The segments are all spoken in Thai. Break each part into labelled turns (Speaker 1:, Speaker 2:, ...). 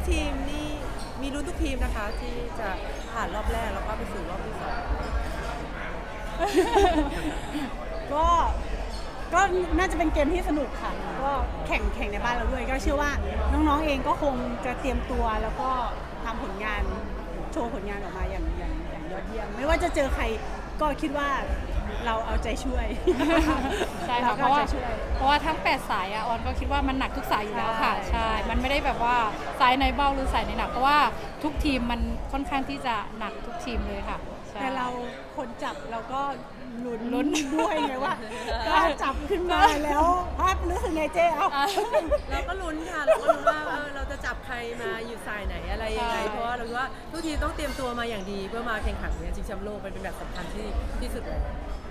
Speaker 1: ทีมนี่มีลุ้นทุกทีมนะคะที่จะผ่านรอบแรกแล้วก็ไปสู่รอบที่2
Speaker 2: ก็ก็น่าจะเป็นเกมที่สนุกค่ะก็แข่งในบ้านเราด้วยก็เชื่อว่าน้องๆเองก็คงจะเตรียมตัวแล้วก็ทำผลงานโชว์ผลงานออกมาอย่างยอดเยี่ยมไม่ว่าจะเจอใครก็คิดว่าเราเอาใจช่วย
Speaker 3: ใช่ค่ะเพราะว่าทั้ง8สายออนก็คิดว่ามันหนักทุกสายอยู่แล้วค่ะใช่มันไม่ได้แบบว่าสายไหนเบาหรือสายไหนหนักเพราะว่าทุกทีมมันค่อนข้างที่จะหนักทุกทีมเลยค่ะ
Speaker 2: แต่เราคนจับเราก็ลุ้นด้วยไงว่าถ้าจับขึ้นมาแล้วภาพรู้สึกไงเจ๊เอา
Speaker 1: เราก็ลุ้นค่ะเราก็ลุ้นว่าเราจะจับใครมาอยู่สายไหนอะไรยังไงเพราะว่าเราคิดว่าทุกทีมต้องเตรียมตัวมาอย่างดีเพื่อมาแข่งขันในชิงแชมป์โลกเป็นแบบสำคัญที่สุดเลย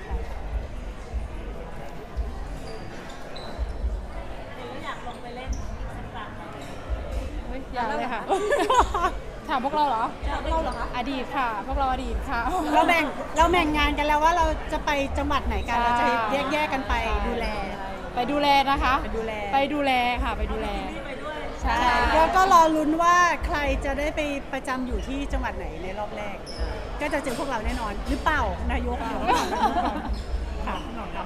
Speaker 2: อยากลงไปเล่นสักครั้ง
Speaker 3: อยากเลยค่ะถามพวกเราเหรอคะอดีตค่ะพวกเราอดีตค่ะ
Speaker 2: เราแบ่งงานกันแล้วว่าเราจะไปจังหวัดไหนกันเราจะแยกกันไปดูแล
Speaker 3: นะคะ
Speaker 2: ไปดูแล
Speaker 3: ค่ะไปดูแล
Speaker 2: ใช่แล้วก็รอลุ้นว่าใครจะได้ไปประจำอยู่ที่จังหวัดไหนในรอบแรกก็จะเจอพวกเราแน่นอนหรือเปล่านายกค่ะ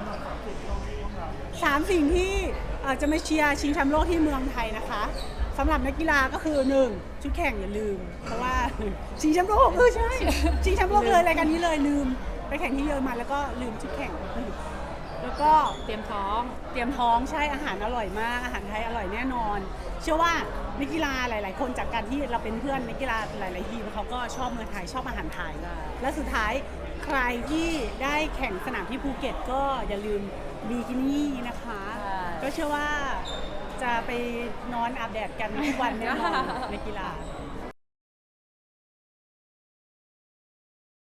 Speaker 2: 3 สิ่งที่จะมาเชียร์ชิงแชมป์โลกที่เมืองไทยนะคะสำหรับนักกีฬาก็คือ1ชุดแข่งอย่าลืมเพราะว่าชิงแชมป์โลกใช่ชิงแชมป์โลกเลยรายการนี้เลยลืมไปแข่งที่เยอรมันแล้วก็ลืมชุดแข่งแล้วก็
Speaker 3: เตรียมท้
Speaker 2: องใช่อาหารอร่อยมากอาหารไทยอร่อยแน่นอนเชื่อว่านักกีฬาหลายๆคนจากการที่เราเป็นเพื่อนนักกีฬาหลายๆทีมเขาก็ชอบเมืองไทยชอบอาหารไทยและสุดท้ายใครที่ได้แข่งสนามที่ภูเก็ตก็อย่าลืมบิกินี่นะคะก็เชื่อว่าจะไปนอนอาบแดดกันทุกวันแน่นอนในกีฬา